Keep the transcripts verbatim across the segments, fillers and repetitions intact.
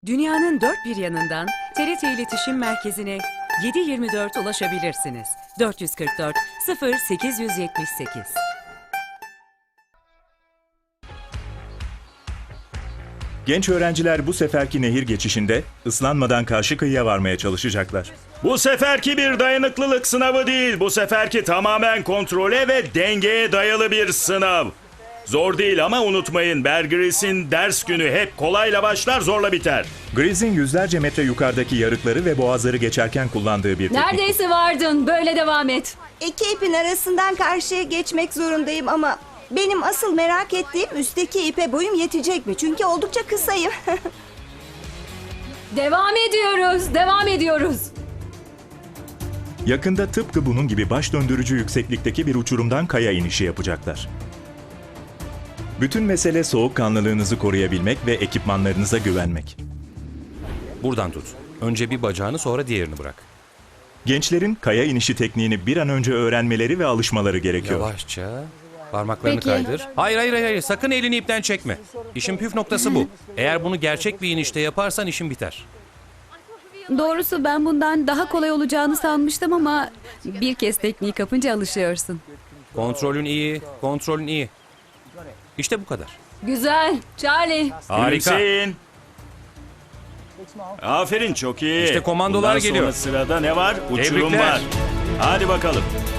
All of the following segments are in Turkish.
Dünyanın dört bir yanından T R T İletişim Merkezi'ne yedi yirmi dört ulaşabilirsiniz. dört yüz kırk dört sıfır sekiz yüz yetmiş sekiz. Genç öğrenciler bu seferki nehir geçişinde ıslanmadan karşı kıyıya varmaya çalışacaklar. Bu seferki bir dayanıklılık sınavı değil. Bu seferki tamamen kontrole ve dengeye dayalı bir sınav. Zor değil ama unutmayın, Bear Grylls'in ders günü hep kolayla başlar, zorla biter. Gryls'in yüzlerce metre yukarıdaki yarıkları ve boğazları geçerken kullandığı bir teknik. Neredeyse vardın. Böyle devam et. İki ipin arasından karşıya geçmek zorundayım ama benim asıl merak ettiğim üstteki ipe boyum yetecek mi? Çünkü oldukça kısayım. Devam ediyoruz. Devam ediyoruz. Yakında tıpkı bunun gibi baş döndürücü yükseklikteki bir uçurumdan kaya inişi yapacaklar. Bütün mesele soğukkanlılığınızı koruyabilmek ve ekipmanlarınıza güvenmek. Buradan tut. Önce bir bacağını, sonra diğerini bırak. Gençlerin kaya inişi tekniğini bir an önce öğrenmeleri ve alışmaları gerekiyor. Yavaşça. Parmaklarını Peki. kaydır. Hayır hayır hayır. Sakın elini ipten çekme. İşin püf noktası bu. Eğer bunu gerçek bir inişte yaparsan işin biter. Doğrusu ben bundan daha kolay olacağını sanmıştım ama bir kez tekniği kapınca alışıyorsun. Kontrolün iyi. Kontrolün iyi. İşte bu kadar. Güzel. Charlie. Harika. Gülümseyin. Aferin, çok iyi. İşte komandolar Bundan geliyor. sonra sırada ne var? Uçurum Tebrikler. var. Hadi bakalım.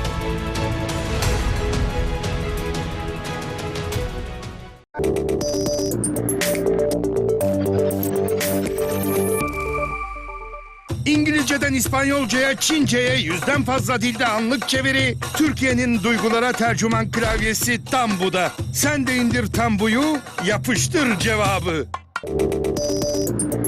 İngilizceden İspanyolcaya, Çince'ye yüzden fazla dilde anlık çeviri, Türkiye'nin duygulara tercüman klavyesi Tambu'da. Sen de indir Tambu'yu, yapıştır cevabı.